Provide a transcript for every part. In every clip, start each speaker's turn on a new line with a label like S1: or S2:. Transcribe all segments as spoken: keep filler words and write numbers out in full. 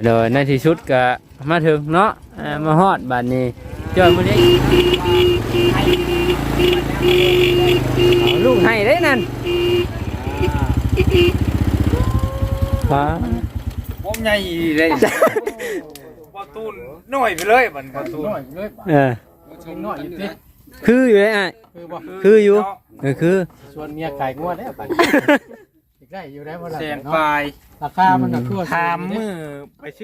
S1: โดยในที่สุดก็มาถึงเนาะมาฮอดบ้านนี้จอยมื้อนี้ลูกให้ได้นั่นป้า
S2: ผมใหญ่เลยประตูน้อยไปเลยมันประตูน้อยเลย
S1: เออ
S2: น้อยอยู่ดิ
S1: คืออยู่เลยอ่ะ
S2: คือบ่
S1: คืออยู่เออคือ
S2: ชวนเมียไก่งวดได้ป่ะได้อยู่ได้บ่ล่ะแสนปลาย
S3: ราคามันน่ะคือ
S2: ถามมือไปชื่อ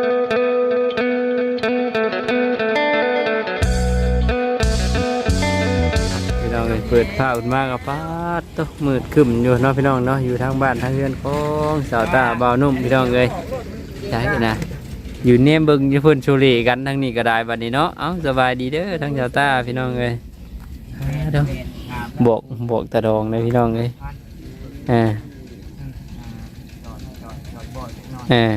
S1: พี่น้องเปิดผ้าอุ่นมากกับป้าตกมืดขึ้นอยู่เนาะพี่น้องเนาะอยู่ทางบ้านทางเรือนของสาวตาบ่าวนุ่มพี่น้องเลยใช่นะอยู่เนี่ยบึงอยู่เพิ่นโชลีกันทางนี้ก็ได้บัดนี้เนาะเอ้าสบายดีเด้อทางสาวตาพี่น้องเลยเด้อบวกบวกตะดองเลยพี่น้องเลยอ่าเออ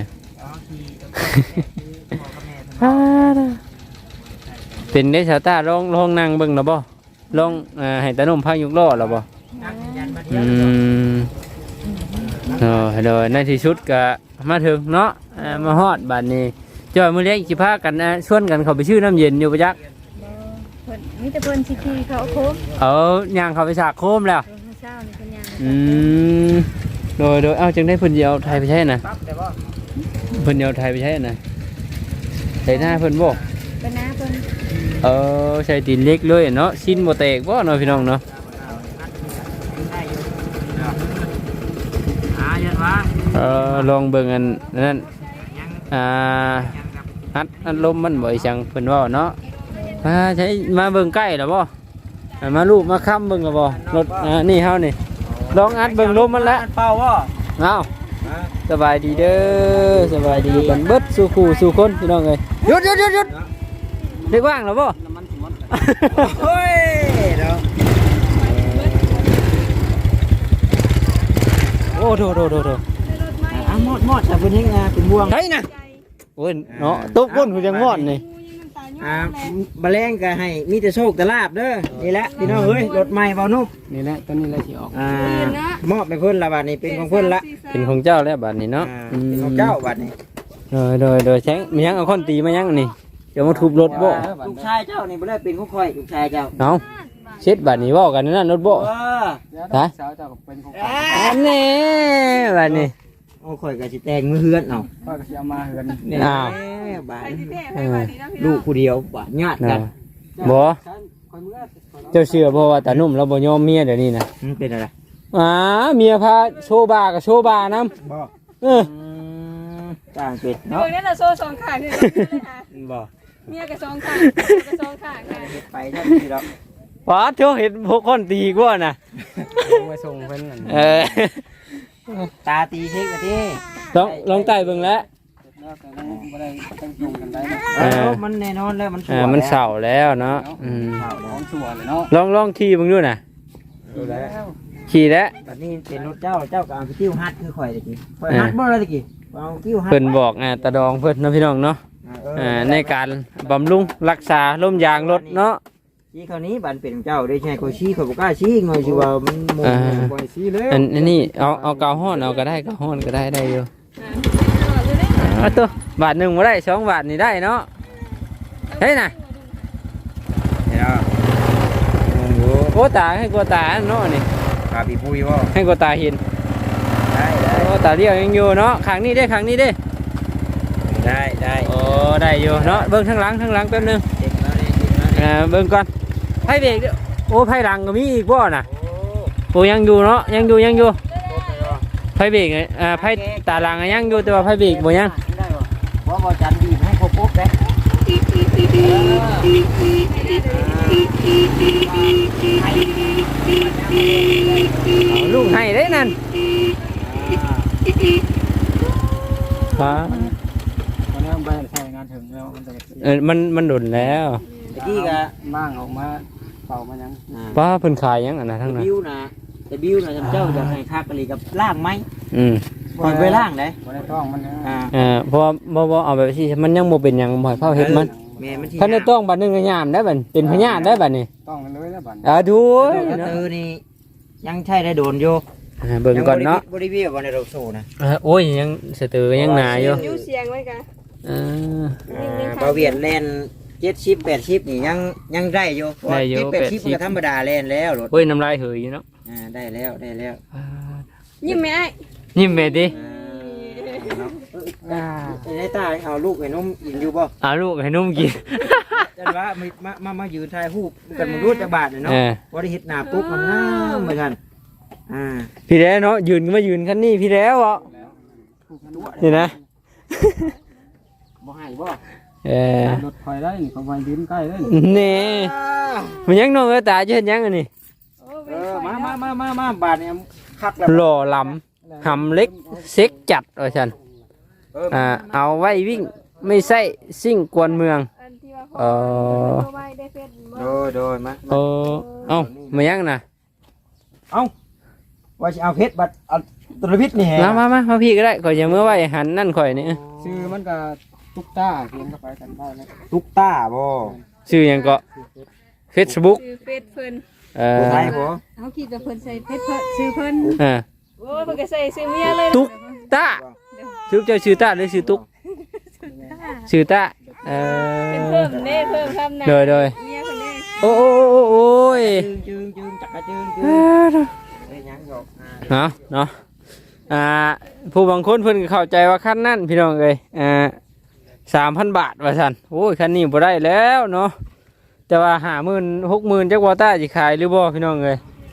S1: เป็นได้ชาวตาลองลองนั่งเบิ่งหรอบ่ลองอ่าให้ตาหนุ่มพายุกล้อหรอบ่อืมเออโดยในที่สุดก็มาถึงเนาะมาฮอดบ้านนี้จอยมื้อเล็กสิพากันชวนกันเข้าไปชื่อน้ำเย็นอยู่ประจักษ์
S4: มีแต่เพิ่นสิขี่เขาโค้ง
S1: เออย่างเข้าไปฉากโคมแล้ว
S4: เช้านี่เพิ่นย่าง
S1: อืมโดยโดยเอ้าจังได้เพิ่นสิเอาไทยไปใช้น่ะเพิ่นเอาไทยไปใช้น่ะใส่หน้าเพิ่นบ่
S4: เป็นน้าเพิ่น
S1: เออใส่ตีนเล็กเลยเนาะชิ้นบ่แตกบ่เนาะพี่น้องเนาะเออลองเบิ่งอันนั้นอ่าอัดอัดลมมันบ่จังเพิ่นว่าเนาะมาใช้มาเบิ่งใกล้แล้วบ่มาลูกมาค้ำเบิ่งแล้วบ่รถอ่านี่เฮานี่ลองอัดเบิ่งลมมันละ
S2: เป่าบ่
S1: เอ้าสบายดีเด้อสบายดีกันเบิดสู่คู่สู่คนพี่น้องเอ้ยหยุดหยุดหยุดหยุดเด็กว่างแล้วบ่
S2: เฮ้ยเนาะ
S1: โอ้โถโถโถโถ
S3: อ่ะหมดหมดแต่เพิ่นยังเป็นบ่วง
S1: ใช่น่ะโอ้ยเนาะตุ๊กก้นคือจังหอดนี่
S3: อ่าแมลงก็ให้มีแต่โชคแต่ลาบเด้อนี่แหละพี่น้องเอ้ยรถใหม่เบานุ่ม
S1: นี่แหละตอนนี้แหละสิออก
S3: อ่ามอบให้เพิ่นละบัดนี้เป็นของเพิ่นละ
S1: เป็นของเจ้าแล้วบัดนี้เนาะ
S3: เป็นของเจ้าบัดนี้
S1: โดยโดยโดยแช้งมียังเอาค้อนตีมายังนี่จะมาทุบรถบ่
S3: ลูกชายเจ้านี่บ่ได้เป็นของข่อยลูกชายเจ้า
S1: เอาเช็ดบัดนี้เว้ากันนั่นรถบ่ฮะ
S2: สาวเจ้าก็เป็นของ
S1: อันนี้บัดนี้
S3: โอ้ข่อยก็สิแต่งมือเฮือนเอา
S2: ข่อยก็สิเอามาเฮือน
S3: นี่อ้าวบาดลูกผู้เดียวบาดญาติกัน
S1: บ่เจ้าเชื่อบ่ว่าตานุ่มเราบ่ยอมเมียเดี๋ยวนี้นะ
S3: มันเป็นอะไร
S1: อ่าเมียพาโชว์บากับโชว์บานํ
S3: บ่
S1: เออ
S3: ต่างเป็ดเนาะ
S4: เบิ่งนั่นน่ะโซ่สองข้างนี่
S3: บ่
S4: เมียก็สองข้างก็สองข้างค่ะ
S3: ไปจังซี่ดอก
S1: ป๋าเจ้าเห็นพวกคนตีกว่าน่ะ
S2: มาส่งเพิ่นนั่น
S1: เออ
S3: ตาตีเฮ็ดว่าติ
S1: ลองลองไต่เบิ่งแล้ว
S2: บ่ได้ต้องส่งกันได้
S3: เออมันแน่นอนแล้วมัน
S1: อ่ามันเศร้าแล้วเนาะอืม
S2: ของชัวร์เลยเนาะ
S1: ลองลองขี่เบิ่งดูน่ะ
S3: ดูแล้ว
S1: ขี่แล้ว
S3: บัดนี้เป็นรถเจ้าเจ้าก็เอาไปกิ้วฮัดคือข่อยตะกี้ข่อยฮัดบ่ล่ะตะกี้เอากิ้วฮัด
S1: เพิ่นบอกอ่าตาดองเพิ่นเนาะพี่น้องเนาะอ่าในการบำรุงรักษาลมยางรถเนาะ
S3: ชี้คราวนี้บันเป็นเจ้าได้ใช่ข่อยชี้ข่อยบ่กล้าชี้ง่อยสิว่ามันโมบ่ให้ชี้เลย
S1: อันนี้เอาเอากาวฮ้อนเอาก็ได้กาวฮ้อนก็ได้ได้อยู่อ่าตัวบาทนึงบ่ได้สองบาทนี่ได้เนาะเฮ้ยน่ะโอ้ตาให้กลัวตาเนาะนี่
S2: ตาปีปุ้ยบ่
S1: ให้กลัวตาเห็น
S3: ได้ได้
S1: โอ้ตาเลี้ยวยังอยู่เนาะข้างนี้ได้ข้างนี้ได้
S3: ได้ได้
S1: โอ้ได้อยู่เนาะเบิ่งข้างหลังข้างหลังแป๊บนึง
S3: เด็กแล้วนี่เด็กแล้วนี่
S1: อ่าเบิ่งก่อนไผเบรกโอ้ไผหลังก็มีอีกบ่น่ะโอ้ยังอยู่เนาะยังอยู่ยังอยู่ไผเบรกอ่าไผตาหลังยังอยู่แต่ว่าไผเบรกบ่ยัง
S3: ได้บ่บ่บ่จันดีให้ครบปุ๊บเด้
S1: ลูกให้ได้นั่นป้า
S2: วันนี้ไปใช้งานถึงแล้วมันจะ
S1: เออมันมันดุนแล้ว
S3: ตะกี้ก็
S2: บ้างออกมาเป่ามายัง
S1: ป้าเพิ่นขายยังอันน่ะทั้งนั้น
S3: บิวนะแต่บิวนะเจ้าจะให้คักกะลีกับล่างไหม
S1: อืม
S3: คอยไปล่างได้
S2: บ่ได้ต้องมัน
S1: อ่าอ่าเพราะบ่บ่เอาแบบที่มันยังบ่เป็นหยังบ่ให้เผาเฮ็ดมัน
S3: แม่มันสิ
S1: ท่านได้ต้องบัดนึงก็ยามได้บัดเป็นพญาธิได้บัดนี้
S2: ต้องกันเลยแล้วบัด
S1: อ่าดู
S3: เออนี่ยังใช้ได้โดนอยู่
S1: อ่าเบิ่งก่อนเนาะ
S3: บริวิวบ่ในเราโซนะ
S1: เออโอ้ยยังสตือยังหนาอยู่
S4: ยูเสียงไว้กัน
S1: เออ
S3: บ่เวียนแล่นเจ็ดสิบแปดสิบนี่ยังยังได้อยู่
S1: ได้อยู่
S3: เจ็ดแปดสิบ
S1: แปดสิบ
S3: ก็ธรรมดาแล่นแล้วรถ
S1: โอ้ยน้ำลายเหยอยู่เนาะ
S3: อ่าได้แล้วได้แล้ว
S4: ยิ้มไหมไอ้
S1: ยิ้มแม่ดิ
S3: อ่าไอ้ตาเอาลูกไอ้นมกินอยู่บ่
S1: เอาลูกให้นุ่มกิน
S3: จันว่ามามามามายืนถ่ายรูปกันมันรู้จักบาทเนาะ
S1: เออ
S3: บ่ได้เฮ็ดหน้าปุ๊บมันงามเหมือนกันอ่า
S1: พี่แล้วเนาะยืนก็มายืนคันนี้พี่แล้วอ่ะนี่นะ
S3: บ่ให้บ่
S1: เออ
S2: รถไฟได้นี่เขาไปยืนใกล้ได้
S1: นี่มันยังน้องเอ้ยตาจะเห็นยังอันนี้
S4: โอ้
S3: เอ
S4: เป็น
S3: อ
S4: ข่อย
S3: มา
S4: เนาะ
S3: มามามามาบาทเนี่ยคักแล้ว
S1: หล่อลำหำเล็กเซ็กจัดว่าฉัน
S3: เออ
S1: อ่าเอาไว้วิ่งไม่ใช่ซิ่งกวนเมือง
S4: อันที่ว่า
S1: เอ
S4: พ่อ
S1: อ
S4: เอาไว้ได้เฟซบ่
S3: โดยโดยมา
S1: เออเอ้ามายังนะ
S3: เอ้าว่าสิเอาเพชรบัตรเอาตุลพิษนี่แฮะ
S1: มามามามาพี่ก็ได้ข่อยจะเมื่อไหวหันนั่นข่อยนี่
S2: ชื่อมันก็ตุ๊กตาเขียนเข้าไปกันได้นะ
S3: ตุ๊กตาบ่
S1: ชื่อหยังก็เฟซบุ๊ก
S4: ชื่อเฟซเพิ่น
S1: เอ
S3: ผู้
S1: อ
S3: ไทยบ่
S4: เขาคิดว่าเพิ่นใส่เฟซเพิ่นชื่อเพิ่น
S1: อ่า
S4: โอ้ยเพิ่นก็ใส่ชื่อเมียเลย
S1: ตุ๊กตาชื่อเจ้าชื่อตาหรือชื่อตุ๊กชื่อตาเอ
S4: เป็น
S1: อ
S4: เพิ่มเด้เพิ่มคำนะ
S1: โดยโดย
S4: เมียเพิ่นเด้
S1: โอ้โอ้โอ้โอ้ย
S3: จึงจึงจึงจักรจึงจึง
S1: เอ้อ
S3: เอ้ยยังดอกอ่า
S1: เนาะเนาะอ่าผู้บางคนเพิ่นก็เข้าใจว่าคันนั่นพี่น้องเอ้ยอ่าสามพันบาทว่าซั่นโอ้ยคันนี้บ่ได้แล้วเนาะแต่ว่าห้าหมื่นหกหมื่นจักว่าต้าสิขายหรือบ่พี่น้องเอ้ย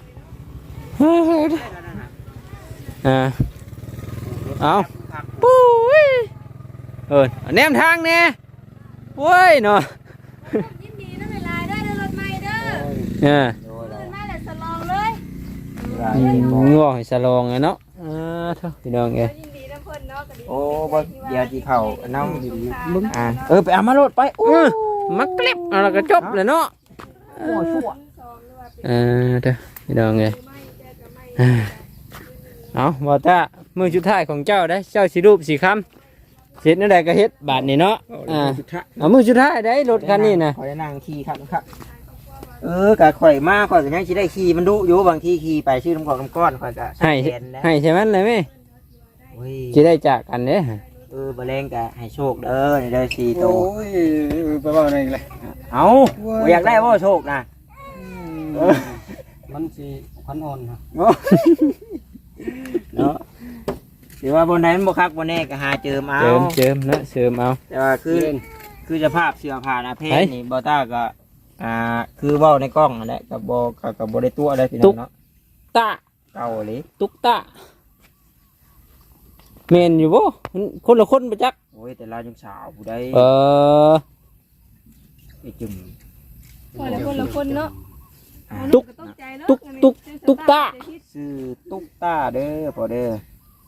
S1: อ่าเอาปุ้ยเออแนมทางแน่โว้ยเนาะ
S4: ยินดีนะเวลาได้รถใหม่เด้อ
S1: เออ
S3: โดย
S4: ตื่นมาแล้วสลองเลย
S1: อืมงัวให้สลองไงเนาะอ่าเท่าพี่น้องเอ้ย
S4: ยินดีนะเพิ่นเนาะก็ดี
S3: โอ้บ่เดี๋ยวสิเข้าเนามึงอ่าเออไปเอามาโลดไปโอ้
S1: เออมักเกล็บเอาแล้วก็จบเลยเนาะ
S3: โหชั่ว
S1: เออเด้อพี่น้องเอ้ยอ่าเอาบ่ตามือสุดท้ายของเจ้าได้เจ้าสิรูปสิคำเสร็จนั่นแหละก็เฮ็ดบาทนี่เนาะอ่าเอามือสุดท้ายได้รถคันนี้นะ
S3: ข่อยนั่งขี่ครับครับเออกะข่อยมาข่อยก็ยังสิได้ขี่มันดุอยู่บางทีขี่ไปชื่อน้ำกอกน้ำก้อนข่อยก็
S1: ให้
S3: แขนแล้ว
S1: ให้ใช่มันเลยไหม
S3: โอ้ย
S1: สิได้จากกันเด้อ
S3: เออบ่แรงกะให้โชคเด้อนี่เด้อสี่โต
S2: โอ้ยไปว่าอะไรเลย
S3: เอาบ่อยากได้บ่โชคนะเออ
S2: มันสิพันอ่อนครับ
S3: โอ้เนาะถือว่าบนไหนมันบ่คักบ่แน่ก็หาเจิมเอา
S1: เจิมเจิมเนาะเสริมเอา
S3: แต่ว่าคือคือสภาพเสื้อผ้าหน้าเพศ
S1: เฮ้ย
S3: นี่บ่ต้าก็อ่าคือเว้าในกล้องนั่นแหละก็บ่ก็ก็บ่ได้ตัวได้พี่น้องเนาะ
S1: ตา
S3: เก่าเลย
S1: ตุ๊กตาแม่นอยู่บ่มันคนละคนประจักษ์
S3: โอ้ยแต่เรายังสาวผู้ใด
S1: เออ
S3: ไอ้จุ่ม
S4: พอแล้วคนละคนเนาะ
S3: อ่า
S1: ตุ๊ก
S4: ตกใจเนาะ
S1: ตุ๊กตุ๊กตุ๊กตา
S3: ชื่อตุ๊กตาเด้อพอเด้อ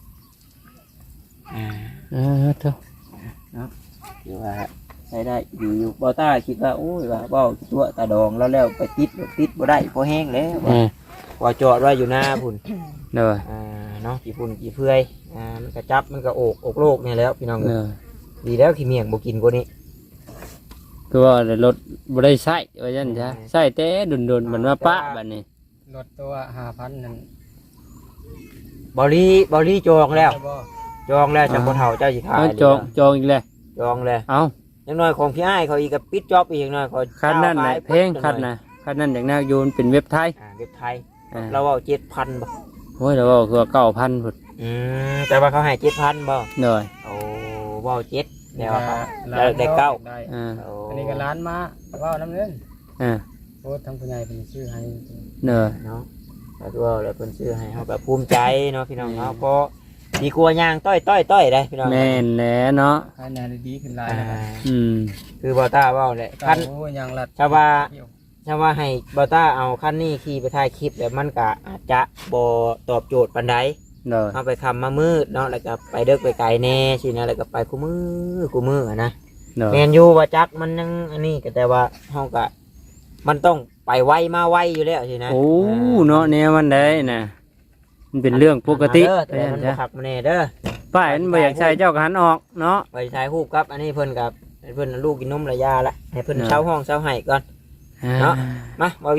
S3: อ่า
S1: เออเท่า
S3: คือว่าใช้ได้อยู่อยู่บ่ต้าคิดว่าโอ้ยว่าเว้าตัวตาดองแล้วแล้วไปติดบ่ติดบ่ได้พอแห้งแล้ว
S1: อ่า
S3: ว่าจอดไว้อยู่หน้าพุ่น
S1: เด้อ
S3: อ่าเนาะกี่พุ่นกี่เพื่อยอ่ามันก็จับมันก็โอกอกโลกนี่แล้วพี่น้อง
S1: เด้อ
S3: ดีแล้วขี้เมียงบ่กินกว่านี้
S1: คือว่ารถบ่ได้ใช้ว่าจังซะใช้แต่ดุนๆมันว่าปะบัดนี้
S2: รถตัวห้าพันนั่น
S3: บอลี่บอลี่จองแล้ว
S2: บ่
S3: จองแล้วจังบ่เฒ่าเจ้าสิขาย
S1: เอาจองจองอีกแล้ว
S3: จองแล้ว
S1: เอา
S3: ยังน้อยของพี่อ้ายเขาอีกก็ปิดจ็อบอีกหน่อยเขา
S1: คันนั้นน่ะเพลงคันน่ะคันนั้นอย่างน่าโยนเป็นเว็บไทย
S3: อ่าเว็บไทย
S1: อ่า
S3: เราเอาเจ็ดพันบ่
S1: โอ้ยแล้วว่าคือเก้าพันพุ่น
S3: อืมแต่ว่าเขาให้เจ็ดพันบ่
S1: เด้อ
S3: โอ้บ่เอาเจ็ดแล้วเขา
S2: ล้
S3: ได้ได้เก้า
S2: ได้
S1: อ่า
S3: โอ้
S2: อันนี้ก็ร้านมาว่าน้ำเงิน
S1: อ่า
S2: โอ้ทั้งผู้ใหญ่เป็นชื่อให้
S1: เด้อ
S3: เนาะแล้วตัวแล้วเพิ่นซื้อให้เฮาแบบภูมิใจเนาะพี่น้องเนาะเพราะดีกว่าย่างต้อยต้อยต้อยได้พี่น้อง
S1: แม่นแหละเนาะ
S2: ให้แนวดีขึ้นหลาย
S3: อ่า
S2: นะครับ
S1: อืม
S3: คือบ่ต้าเว้าแหละ
S2: คั
S3: คั
S2: น
S3: น
S2: โอ้ยยังรัด
S3: ชาวบ้าน
S2: เที่ยว
S3: ถ้าว่าให้บอต้าเอาคันนี้ขี่ไปถ่ายคลิปแล้วมันก็อาจจะบอตอบโจทย์ปันใด
S1: เด้อ
S3: เอาไปคำมามืดเนาะแล้วก็ไปเดิกไปไกลแน่สินะแล้วก็ไปกูมือกูมืออะนะ
S1: เด้อ
S3: แมนยูว่าจักมันยังอันนี้ก็แต่ว่าเฮาก็มันต้องไปไวมาไวอยู่แล้วสินะ
S1: โอ้เนาะแนวมันได้น่ะมันเป็นเรื่องปกติ
S3: เด้อแต่มันบ่ขักมาแน่เด้อ
S1: ป้ายมันบ่อยากใช้เจ้าก็หันออกเนาะ
S3: ไปถ่ายรูปครับ อันนี้เพิ่นกับให้เพิ่นลูกกินนมระยาละให้เพิ่น
S1: เนาะ
S3: เช่าห้องเช่าให้ก่อน เนาะ มาบ่เวียด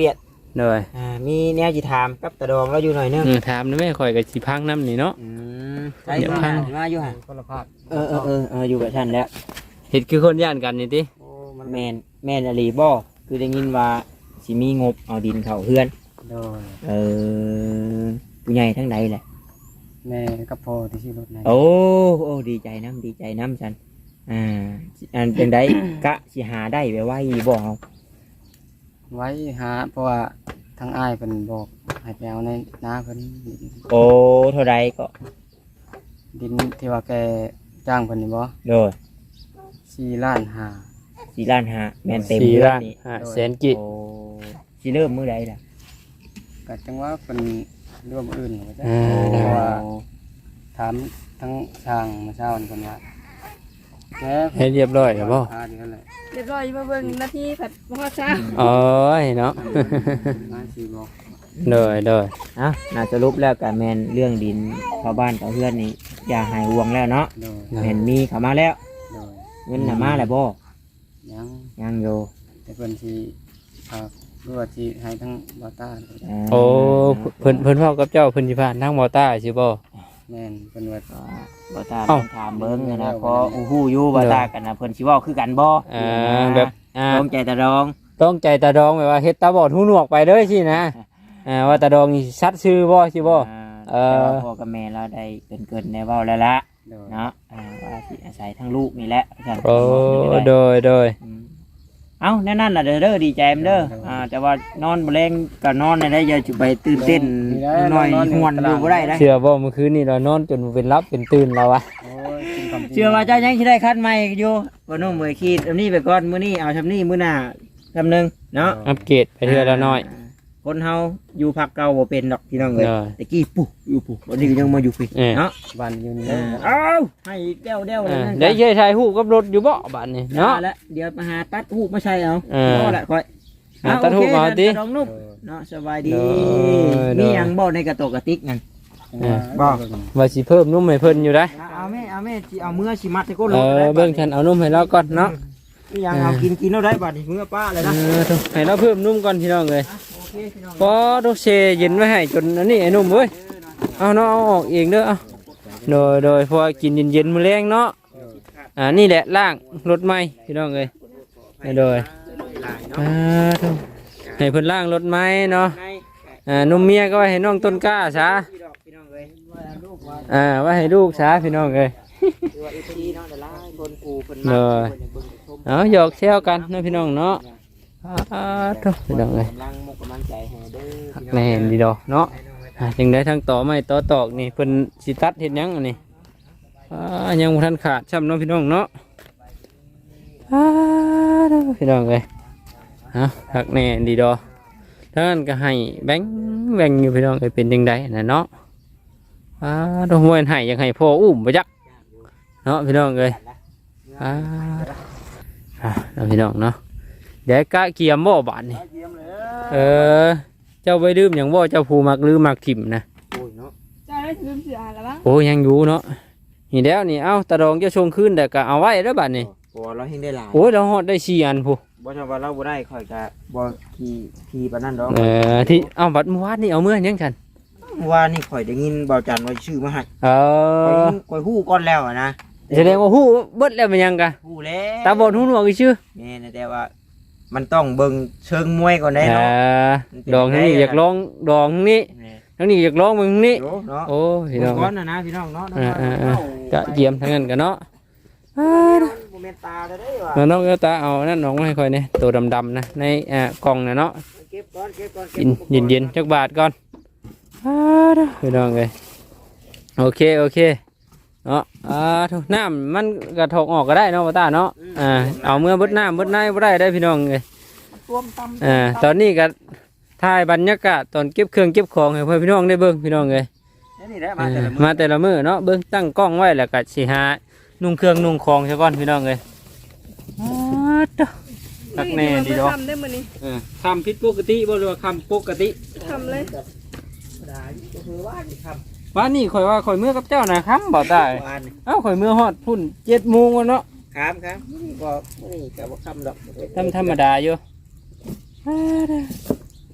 S1: โดย
S3: อ่ามีแนวสิถามกับตาดองเราอยู่หน่อยนึง
S1: อืมถามนะแม่ข่อยก็สิพังน้ำนี่เนาะ
S3: อืมใช่
S1: เดี๋ยว
S3: มา
S1: พัง
S3: มาอยู่ห่ะ
S2: คนละภาค
S3: เออเออเออเอออยู่กับฉันแล้ว
S1: เฮ็ดคือคนย่านกันนี่ติ
S2: โอ้มัน
S3: แมนแมนอลีบ่คือได้ยินว่าสิมีงบเอาดินเข้าเฮือน
S2: โดย
S3: เออผู้ใหญ่ทั้งใดแหละ
S2: แม่กับพ่อที่ชื่อรถไหน
S3: โอ้โอ้ดีใจน้ำดีใจน้ำฉันอ่าอันเป็นได กะสิหาได้ไปไว้บ่เอา
S2: ไว้หาเพราะว่าทางอ้ายเพิ่นบอกให้ไปเอาในนาเพิ่น
S3: โอ้เท่าไรก็
S2: ดินที่ว่าแกจ้างเพิ่นนี่บ่
S3: โดย
S2: สี่ล้านห้า
S3: สี่ล้านห้าแมนเต็ม
S1: สี่
S3: เฮือ
S1: ล้าน
S3: นี่
S1: ห้าแสนกิ
S3: โอ้สิเริ่มมื้อใดล่ะ
S2: ก็จังว่าเพิ่นร่วมอื่นว่าจ้ะ
S1: อ่า
S2: เพ
S1: ได้
S2: ราะว่าถามทั้งช่างมาเช้านี่เพิ่นว่าแก
S1: ให้เรียบร้อยแล้วบ่
S2: หาเดือนแหละ
S4: เรียบร้อยมาเบิ่งนาทีผัดบ่ฮอดซะ
S1: โอ้ยเนาะ
S2: มาสี่บอก
S1: โดยโดย
S3: อ่ะน่าจะรุปแล้วกับแมนเรื่องดินชาวบ้านกับเพื่อนนี่อย่าหายห่วงแล้วเนาะ
S2: โดย
S3: แมนมีเข้ามาแล้ว
S2: โดย
S3: เงินน่ะมาแล้วบ่
S2: ยัง
S3: ยังอยู่
S2: แต่เพิ่นสิฝากรู้ว่าสิให้ทั้งบอต้า
S3: า
S1: โอ้เพิ่นเพิ่นเว้ากับเจ้าเพิ่นสิผ่านทางมอต้าสิบ่
S2: แม่นเพิ่นว่า
S3: ก็บ่ตา
S1: เอ้า
S3: ถามเบิ่งนะเพราะอู้ฮู้อยู่บ่ตากันนะเพิ่นสิเว้าคือกันบ่
S1: อ่าแบบอ่า
S3: ลงใจตะรอง
S1: ต้องใจตาดองแบบว่าเฮ็ดตาบอดหูหนวกไปเด้อสินะอ่าว่าตาดองนี่ชัดชื่อบ่สิบ่
S3: อ่า
S1: เอ่อ
S3: แต่ว่าพ่อกับแม่เราได้เกินๆได้เว้าแล้วละ
S2: โดย
S3: เนาะอ่าว่าสิอาศัยทั้งลูกนี่แหละว่าซั่น
S1: โอ้โดยโดย
S3: อืมเอ้าแน่นั่นล่ะเด้อเด้อดีใจมเด้ออ่าแต่ว่านอนบ่แรงก็นอนได้ได้อย่าสิไปตื่นเต้นน้อยๆหวนอยู่บ่ได้ได้
S1: เชื่อบ่เมื่อคืนนี้เรานอนจนเป็นรับเป็นตื่นแล้ววะ
S2: โอ้ยกินคำจริง
S3: เชื่อว่าเจ้ายังสิได้คัดใหม่อยู่บ่น้องเมยคิดอันนี้ไปก่อนมื้อนี้เอาซำนี้มื้อหน้าซำนึงเนาะ
S1: อัปเกรดไปเทื่อละน้อย
S3: คนเฮาอยู่ภาคเก่าบ่เป็นดอกพี่น้องเอ้ย
S1: ได้
S3: ตะกี้ปุ๊อยู่ปุ๊วันนี้ก็ยังมาอยู่พี่
S1: เออ
S3: เนาะ
S2: บ้านอยู่นี่
S3: เอ
S2: เลย
S3: อเอ้าให้แก้วเด้วเลย
S1: อ่า
S3: นั่น
S1: ได้ใช้ถ่ายรูปกับรถอยู่บ่บัดนี้
S3: เนาะ
S1: เนาะ
S3: แล้วเดี๋ยวมาหาตัดหูปมาใช้เอา
S1: เออ
S3: พอละค่อย
S1: หาตัดหูปมาเอาติ
S3: น้องนุ่มเนาะสบายดี
S1: เด้อ
S3: มีหยังบ่ในกระตกกระติกนั่น
S2: บ้า
S1: ว่าสิเพิ่มนุ่มให้เพิ่นอยู่ได้
S3: เอาแม่เอาแม่สิเอาเมื่อสิมัดให้ก้น
S1: เอ
S3: รถ
S1: อ
S3: ได้
S1: เบิ่งฉันเอานุ่มให้เราก่อนเนาะ
S3: มีหยังเอากินกินเอาได้บัดนี้เมื่อป้าเลย
S1: เอ
S3: นะ
S1: อโถ่ให้เราเพิ่มนุ่มก่อนพี่น้องเอ้ย
S3: โอเคพี่น้อง
S1: พอโดเซเย็นไว้ให้จนอันนี้ไอ้นุ่มเว้ยเอาเนาะเอาออกเองเด้อเอาโดยโดยพอกินเย็นๆมื้อแรงเนาะอ่านี่แหละล่างรถใหม่พี่น้องเอ้ยโดยอ่าโถ่ให้เพิ่นล่างรถใหม่เนาะ
S3: ใน
S1: อ่านุ่มเมียก็ไว้ให้น้องต้นกล้าซะ
S3: พี่ดอกพี่น้องเอ้ยว่าลูกว่า
S1: อ่าไว้ให้ลูกซะพี่น้องเอ้ย
S3: คือว่าอีพีเนาะเดี๋ยวลาให้คนปูเพิ่น
S1: เน
S3: มา
S1: อะ
S3: เพิ่นจะเบิ่งชม
S1: เอาหยอกแซวกันเนาะพี่น้องเนาะอ่าโถ่พี่น้องเอ้ย
S3: กำลังมุกกำลังใจให้เด้อพี่น้อง
S1: แม่นดีดอกเนาะอ่าจังได้ทั้งต่อไม้ต่อตอกนี่เพิ่นสิตัดเฮ็ดหยังอันนี้อ่ายังบ่ทันขาดช้ำเนาะพี่น้องเนาะอ่าเด้อพี่น้องเอ้ยเอาหักแน่ดีดอกถ้างั้นก็ให้แบงค์แบ่งอยู่พี่น้องเอ้ยเป็นจังไดน่ะเนาะอ่าดอกมวยให้อยากให้พ่ออุ้มบ่จักเนาะพี่น้องเอ้ยอ่าอ่าเนาะพี่น้องเนาะเดี๋ยวกะเกียมบ่บาดนี่เออ เจ้าไปดื่มอย่างว่าเจ้าผูมักลืมมักถิ่มนะ
S3: โอ้ยเนาะ
S4: เจ้าได้ลืมเสือแล้วบ้าง
S1: โอ้ยังอยู่เนาะนี่แล้วนี่เอ้าตาดองเจะชงขึ้นแต่ก็เอาไว้แล้วบัดนี้
S3: โอ้เราเฮงได้หลาย
S1: โอ้ยเราฮอดได้สี่อันผู้
S3: บ่ชอบว่าเราบ่ได้ค่อยก็บ่ขี่ขี่ปานนั้นดอก
S1: เออที่เอ้าบัดเมื่อวานนี่เอาเมื่อยังฉัน
S3: เมื่อวานนี่ข่อยได้ยินเบาจันว่าชื่อมาให้
S1: เอ
S3: ข่อย
S1: อ
S3: ข่อยฮู้ก่อนแล้วอะนะ
S1: แสดงว่าฮู้เบิดแล้วมันยังกะ
S3: ฮู้แล้ว
S1: ตาบอดหูหนวกอีชื่อ
S3: แม่นะแต่ว่า มันต้องเบิ่งเชิงมวยก่อนได้
S1: เอ
S3: เนาะ
S1: อดองทั้งนี้อยากลองดองทั้งนี้
S3: แม่
S1: ทั้งนี้อยากลองมึงนี้
S3: โอ้เนาะ
S1: โอ้พี่น้อง
S3: ก่อนนะนะพี่น้องเนาะ
S1: เออเออเออจะเยี่ยมทั้งนั้นกันเนาะอ่า
S3: โมเมนตาได้เด้ว่ะ
S1: แล้วน้องเอตาเอานั่นน้องมาให้ค่อยเนี่ยตัวดำๆนะในอ่ากล่องนะเนาะ
S3: เก็บก่อนเก็บก่อน
S1: กินเย็นเย็นๆจักบาทก่อนอ่าเด้อพี่น้องเลยโอเคโอเคเนาะอ่าทุกน้ำมันกระทกออกก็ได้เนาะพ่อตาเนาะอ่าเอาเมื่อเบดน้ำเบดในบ่ได้ได้พี่น้องเลย
S3: รวมตำ
S1: อ่าตอนนี้ก็ถ่ายบรรยากาศตอนเก็บเครื่องเก็บของให้เพื่อนพี่น้องได้เบิ่งพี่น้องเลย
S3: นี่แหละ
S1: อ่า
S3: มาแต่ละมื้อ
S1: มาแต่ละมื้อเนาะเบิ่งตั้งกล้องไว้แล้วก็สิหานุ่งเครื่องนุ่งของซะก่อนพี่น้องเลยอ่าเด้อ ตักแน่ดีดอก
S4: ทำได้มื้อนี้
S1: เออคำผิดปกติบ่หรือว่าคำปกติ
S4: ทำเลย
S3: ได้ก็คือว่านี่ครับ
S1: ว่านี่ข่อยว่าข่อยเมื่อกับเจ้านะครับบ่ได้
S3: วาน
S1: เอ้าข่อยเมื่อฮอดพุ่นเจ็ดโมงแล้วเนาะ
S3: ครับครับนี่ก็นี่ก็บ่คำดอก
S1: ธรรมธรรมดาอยู่อ่าเด้อ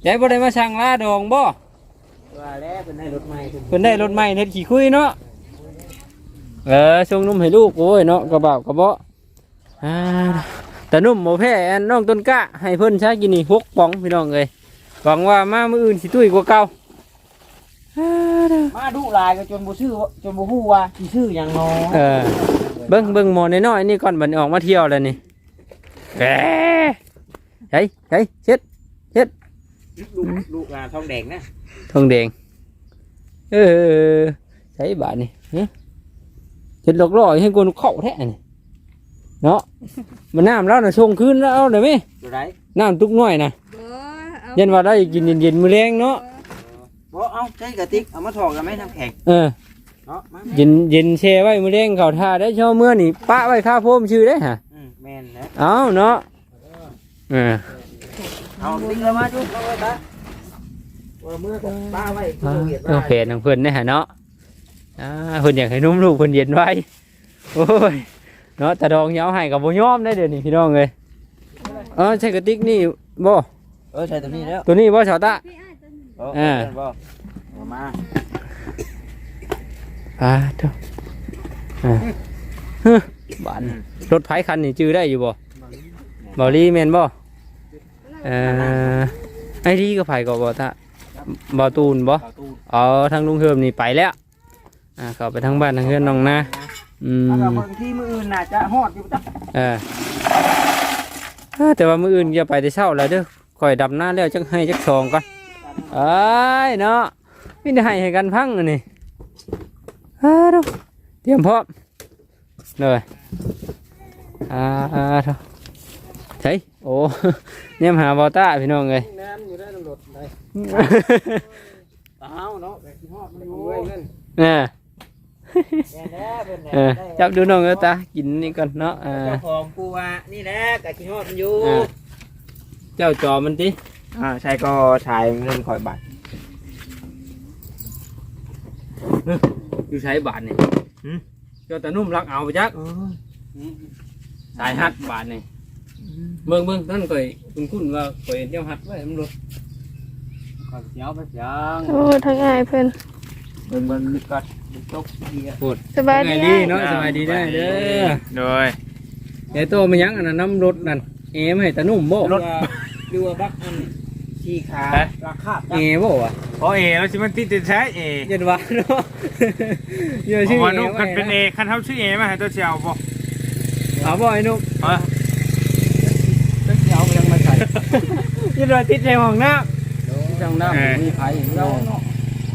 S1: ยายบ่ได้มาสั่งลาดองบ่
S3: ว่าแล้วเพิ่นได้รถใหม่
S1: เพิ่นได้รถใหม่เฮ็ดขี้คุยเนาะเออส่งนมให้ลูกโอ้ยเนาะกระเบากระเบาะอ่าแต่นุ่มบ่แพ้อันน้องต้นกะให้เพิ่นใช้กินนี่หกป๋องพี่น้องเอ้ยหวังว่ามามื้ออื่นสิตุ้ยกว่าเก่า
S3: มาดุลายก็จนบ่ชื่อจนบ่ฮู้ว่าสิชื่อหยังเนาะ
S1: เออเบิ่งเบิ่งหมอน้อยๆนี่ก่อนบัดนี้ออกมาเที่ยวแล้วนี่แหมเฮ้ยเฮ้ยเช็ดเช็ด
S3: ลูกลูกอ่าทองแดงนะ
S1: ทองแดงเออใช้บาทนี่ฮะเช็ดหลอกล่อให้กวนเข้าแท้นี่เนาะมันน้ำแล้วน่ะชงคืนแล้วเอาได้มั้ย
S3: อยู่ไหน
S1: น้ำตุกน้อยน่ะ
S4: บ่เอา
S1: ยันว่าได้กินเย็นๆมื้อแรงเนาะ
S3: บ่เอาใช้กระติกเอามาถอกกันไหมน้ำแข็ง
S1: เออ
S3: เนาะมา
S1: เย็นเย็นแช่ไว้มื้อแรงเข้าท่าได้เช้าเมื่อนี่ปะไว้ข้าโพมชื่อได้ฮะ
S3: อืมแม่นแล้ว
S1: เอาเนาะเออ
S3: เอาติ๊กเอามาจุ๊บเอาไว้ตาเออมือก็ป้าไว้
S1: เอา
S3: เวียด
S1: เอาแผนของเพิ่นได้ฮะเนาะอ่าเพิ่นอยากให้นุ่มลูกเพิ่นเย็นไว้โอ้ยเนาะแต่ดองเหนียวให้กับบ่ยอมได้เดี๋ยวนี้พี่น้องเอ้ยเออใช่กระติกนี่บ่
S3: เออใช่ตัวนี้แล้ว
S1: ตัวนี้บ่ชาวตะ
S4: พี่อ้ายตัวนี้
S3: เออ
S1: อ่า
S3: บ่เอามา
S1: อ่าเด้ออ่าฮึบ้านรถไผคันนี่จื้อได้อยู่บ่บ่ลีแม่นบ่เอ่อไอ้ดีก็ไผก็บ่ตะบ่ตูนบ่
S3: เอาตู้
S1: อ๋อทางลุงเฮิมนี่ไปแล้วอ่าเข้าไปทางบ้านทางเฮือนน้องนาอืม
S3: ถ้าบางที่มืออื่นน่าจะฮอดอยู่จ้ะ
S1: เออเอ้อแต่ว่ามื้ออื่นอย่าไปแต่เช้าแล้วเด้อค่อยดำหน้าแล้วจักให้จักซองก่อนเอ้ยเนาะมีแต่ให้ให้กันพังอันนี้อ่าเด้อเตรียมพร้อมเลยอ่าอ่าเด้อใช่โอ้ เนี่ยมาหาบอต้าพี่น้องเลย
S3: น้ำอยู่ได้ตำรวจได้เต้าเนาะแบบที่ฮอดมันอยู่เงิน
S1: เออ
S3: แม่นแล้วเพิ่น
S1: เออจับดูน้องเออตากินนี่ก่อนเนาะอ่า
S3: เจ้าของกูว่านี่แหละกะที่ฮอดมันอยู่
S1: อ่า เจ้าจอมันติ
S3: อ่าใช่ก็ชายเงินข่อยบาท
S1: อยู่ใช้บาทนี่เจ้าตานุ่มรักเอาไปจักสายฮัดบาทนี่เบิ่งเบิ่งนั่นก่อยคุณคุณว่าก่อยเจ้าฮัดไว้มันรถก่อยเสียวไปเสียง
S4: โอ้ทางอ้ายเพิ่น
S3: เบิ่งเบิ่งกัดตกเดีย
S1: พูด
S4: สบาย
S1: ไง
S4: ดี
S1: ดี
S4: อ้าย
S1: เนาะสบายดีได้เด้อ
S2: โดย
S1: ไอ้โตมันยังอันนั้นน้ำรถนั่นเอไม่ให้ตานุ่มบ่
S3: รถดูว่าบักอันชี้ขาราคา
S1: เอบ่วะ
S2: เพราะเอแล้วสิมันติดติดใช้เอ
S1: เย็นวะเนาะเยอะ
S2: เพ
S1: ชื่อ
S2: ราะว่า
S1: เอ
S2: นุ่มคัน
S1: ไว้
S2: เป็นเอคันเท่าชื่อเอมาให้ตัวเชียวบ่
S1: เอาบ่ไอ้นุ่ม
S2: เออ
S3: เดี๋ยวยังมาใส่
S1: ยืนรอติดในห้องน้ำที่ห้องน้ำมีไผ่เราเนาะ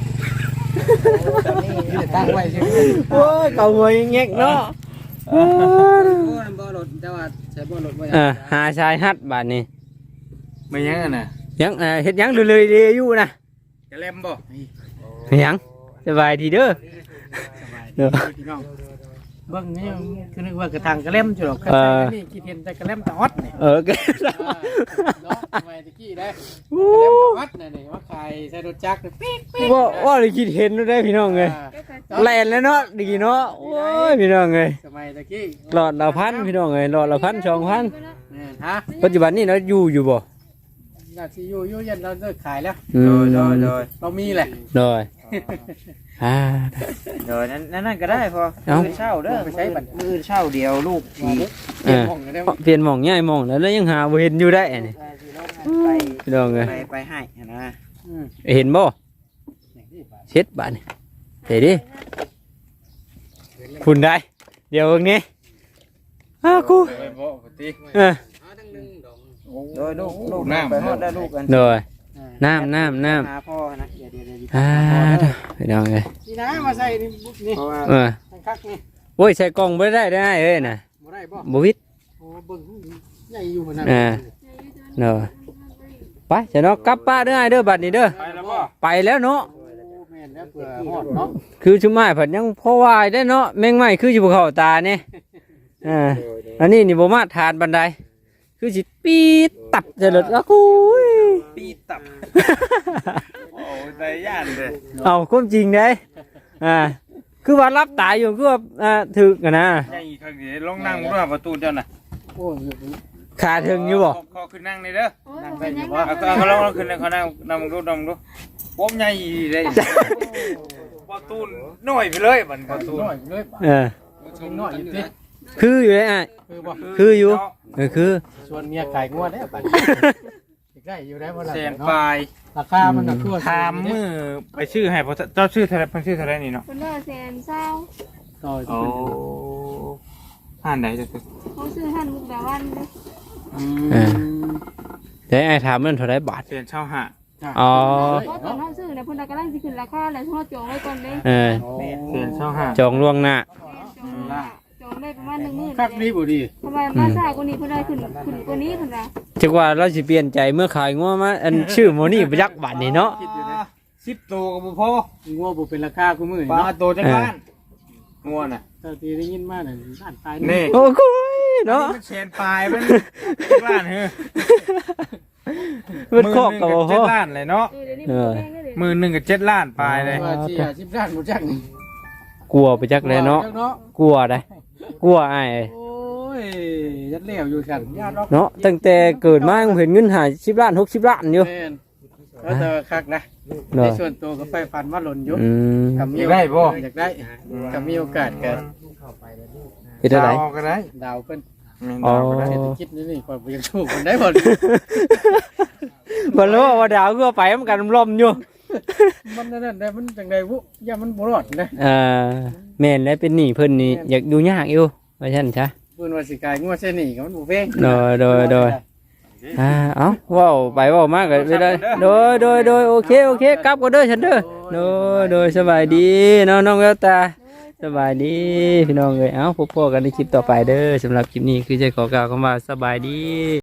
S3: ตั้งไว้ใช่ไหม
S1: โอ้ยเก่าหัวยังเงี้ยเนาะเออ
S3: บ่รถแต่ว่าใช้บ่รถบ่
S1: เออหาชายฮัดบาทนี่
S2: ไม่ยังอ่ะนะ
S1: ยังเออเฮ็ดยังเลยเลยเลยอยู่นะ
S2: จะเล่มบ่
S1: ยังสบายดีเด้อเด้อ
S3: พี่น้องเบิ่งนี่คือนึกว่ากระทางกระเล่มจุดอก
S1: เออ
S3: นี่คิดเห็นแต่กระเล่มตะอดนี่
S1: เออแก
S3: เนาะทำไมตะกี้ได้กระเล่มตะอดนี่นี่ว่าใครใช้รถจักรปิ๊กปิ๊ก
S1: ว่าว่าได้คิดเห็นได้พี่น้องเลยแล่นแล้วเนาะดีเนาะโอ้ยพี่น้องเลย
S3: สมัยตะกี้
S1: หลอดละพันพี่น้องเลยหลอดละพันสองพัน
S3: นี่ฮะ
S1: ปัจจุบันนี้เราอยู่อยู่บ่
S3: น่าสิอยู่อยู่ยันเราเลิกขายแล้ว
S1: อืม
S3: เรามีแหละ
S1: โดยอ่า
S3: เดี๋ยวนั้นนั่นก็ได้พอ
S1: เอ้า
S3: มือเช่าเด้อไปใช้บัตรมือเช่าเดียวลูกสี
S1: เออเปลี่ยนหม่องย้ายหม่องแล้วแล้วยังหาบ่เห็นอยู่ได้อันนี่
S3: ไป
S1: พี่น้องเลย
S3: ไปไปให้นะ
S1: เห็นบ่เช็ดบาดนี่เห็นดิคุณได้ เดี๋ยวตรงนี้อ้ากู
S2: ไปบ่ปกติ
S1: เออ
S3: โดยลูกลูกไปหมดได้ลูกกัน
S1: โดยน้ำน้ำน้ำ
S3: หาพ่อนะเดี๋ยวเดี๋ยวเดี๋ยว
S1: อ่าพี่น้องเลย
S3: นี่นะมาใส่นี่นี่เพราะว่า
S1: เออ
S3: ทางคักนี่
S1: โอ้ยใส่กล่องไม่ได้ได้เอ้ยนะ
S3: บ่ได้บ่
S1: บวิด
S3: โอ้เบิ่งใหญ่อยู่เหมือนกัน
S1: อ่าเนาะไปจะเนาะกลับป้าเด้อเด้อบัดนี้เด้อ
S2: ไปแล้วบ่
S1: ไปแล้วเนาะ
S3: โอ้แม่นแล้วเผื่อฮอดเนาะ
S1: คือชุมไม้ผัดยังพอวายได้เนาะแมงไม้คืออยู่บนเขาตาเนี่ยอ่าอันนี้นี่บ่มาทานบันไดคือสิปีดตับจะหลุดแล้วกูย
S3: ปีตับ
S2: โอ้ยใจย่านเลย
S1: เอาความจริงเด้อ่าคือว่ารับตายอยู่คือว่าอ่าถึกอะนะ
S2: ใหญ่ข้างนี้ลองนั่งด้วยประตูเจ้าน่ะ
S3: โอ้
S1: ขาถึงอยู่บ่
S2: ขอขึ้นนั่งนี่เด้อ
S4: โอ้ยเป็นยังไง
S2: เอาเอาเอาลองขึ้นเลยเขานั่งนั่งดูนั่งดูผมใหญ่เลยพอตูนน้อยไปเลยบัดพอตูน
S5: น้อยเลย
S1: เออ
S5: ชมน้อยอยู่ติ
S1: คืออยู่เลยอ่ะ
S5: คือบ่
S1: คืออยู่เออคือ
S5: ชวนเมียขายงวดได้ป่ะได้อยู่ได้บ่ล่ะ
S2: แสนปลาย
S5: ราคามันก็คือ
S2: ถามมือไปชื่อให้เพราะเจ้าชื่อเท่าไรเพิ่นชื่อเท่าไรนี่เนาะ
S4: คนเลิกแสนเศร้า
S5: ต่อ
S2: โอ้ห่านไหนจะคือ
S4: เขาซื้อหันมุกดาวันเลย
S1: เออแต่ไอ้ถามมันเท่าไรบาท
S2: เสียนเช่าหะ
S1: อ๋อ
S4: เพราะตอนเขาซื้อเนี่ยเพิ่นกำลังสิขึ้นราคาแล้วเขาจองไว้ก่อนเด้
S1: เออ
S2: เสียนเช่าหะ
S1: จองล่วงหน้า
S4: จองละจองได้ประมาณหนึ่งหมื่น
S5: คักนี้บ่ดี
S4: ทำไมมาซ่ากว่านี้เพิ่นได้ขึ้นขึ้นกว่านี้เพิ่นว่า
S1: จักว่าเราสิเปลี่ยนใจเมื่อขายงัวมาอันชื่อโมนี่ไปยักบาทนี่เนาะ
S2: สิบตัวกับบุพอ
S5: งัวบ่เป็นราคากูมื้อ
S2: ปลา
S5: เนาะ
S2: ตัวจังบ้านงัวน่ะ
S5: เท่าที่ได้ยินมาน่ะล้านตาย
S2: นี่
S1: โอ้โหเนาะ
S2: มันเสียนปลายมันล้านเฮ้ย
S1: มันครอบกับ
S2: ห
S1: บ่
S2: มื่นหนึ่ง
S1: พอ
S2: เจ็ดล้านเลยเนาะ
S4: เออเดี๋ยวนี้มันแพงได้เลย
S2: หมื่นหนึ่งกับเจ็ดล้านปลายเลย
S5: ว่าสิห้าสิบล้านบ่จักนี่
S1: กลัวไปจักเลยเนาะ
S5: เนาะ
S1: กลัวได้กลัวไอ้าย
S5: โอ้ยยัดแล้วอยู่ซั่นญาติ
S1: เนาะตั้งแต่เกิดมาเห็นเงินหาสิบล้านหกสิบล้านอยู่
S5: แม่นแล้วแต่ว่าคักนะใน
S1: เนาะ
S5: ส่วนตัวก็ไฟฟันว่าหล่นอยู่
S1: อืม
S5: กับมี
S2: อยากได้บ่
S5: อยากได้กับมีโอกาสก็
S1: เป็นเท่าไหร่
S2: ดาวก็ได้
S5: ดาวเพิ่น
S1: อ๋อ
S5: เศรษฐกิจนี่นี่ก่อนบ่ยังถูกมันได้บ่
S1: บ่รู้ว่าดาวก็ไปมันกันลมอยู่
S5: มันนั่นนั่นได้มันจังได๋วุอย่ามันบ่รอดนะ
S1: เอ่อแม่นแล้วเป็นหนี้เพิ่นนี่อยากดูยากอยู่ว่าซั่นซะ
S5: เพิ่นว่าสิกายงัวเส้นนี่ก็มันบ่แพง
S1: โดยโดยโดย อ่าเอ้าเว้าไปเว้ามากก็ไปเลยโดยโดยโดยโอเคโอเคกลับก็เด้อฉันเด้อโดยโดยสบายดีเนาะน้องแววตาสบายดีพี่น้องเอ้ยเอ้าพบกันในคลิปต่อไปเด้อสำหรับคลิปนี้คือจะขอกล่าวคำว่าสบายดี